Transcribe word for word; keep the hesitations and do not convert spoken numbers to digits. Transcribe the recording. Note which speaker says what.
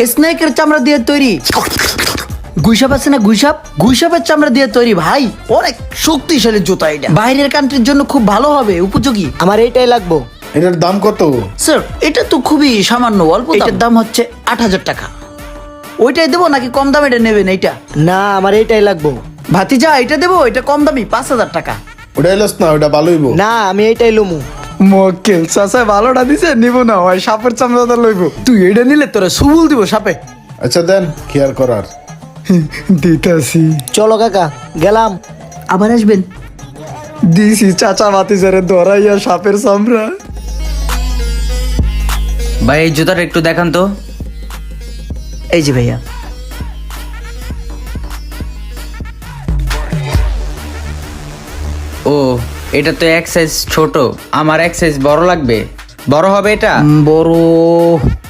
Speaker 1: স্নেকের চামড়া দিয়ে তৈরি। গুইসাপ আছে না, গুইসাপ, গুইসাপের চামড়া দিয়ে তৈরি ভাই, অনেক শক্তিশালী জুতা। এটা বাইরের কান্ট্রির জন্য খুব ভালো হবে, উপযোগী।
Speaker 2: আমার এইটাই লাগবো।
Speaker 3: এটার দাম কত?
Speaker 1: স্যার এটা তো খুবই সামান্য, অল্প। এটার দাম হচ্ছে আট হাজার টাকা। ওইটাই দেবো নাকি কম দামে এটা নেবেন? এইটা
Speaker 2: না, আমার এইটাই লাগবো।
Speaker 1: ভাতিজা এটা দেবো, এটা কম দামি, পাঁচ হাজার টাকা।
Speaker 3: ওটা এলোস না, ওটা ভালোই বো।
Speaker 2: না, আমি এইটাই লুমু।
Speaker 1: মক্কেল চাচা ভালোটা দিছে, নিব না, ওই সাপের চামড়াটা লইব। তুই এটা নিলে তোরা সুবুল দিব সাপে।
Speaker 3: আচ্ছা দেন, কি আর করার।
Speaker 1: দিতাছি।
Speaker 2: চলো কাকা, গেলাম।
Speaker 1: আবার আসবেন। দিছি চাচা ভাতিজারে ধরাইয়া সাপের চামড়া।
Speaker 4: ভাই এই জুতাটা একটু দেখান তো।
Speaker 1: এই যে ভাইয়া,
Speaker 4: ও এটা তো এক সাইজ ছোট, আমার এক সাইজ বড় লাগবে। বড় হবে এটা?
Speaker 1: বড়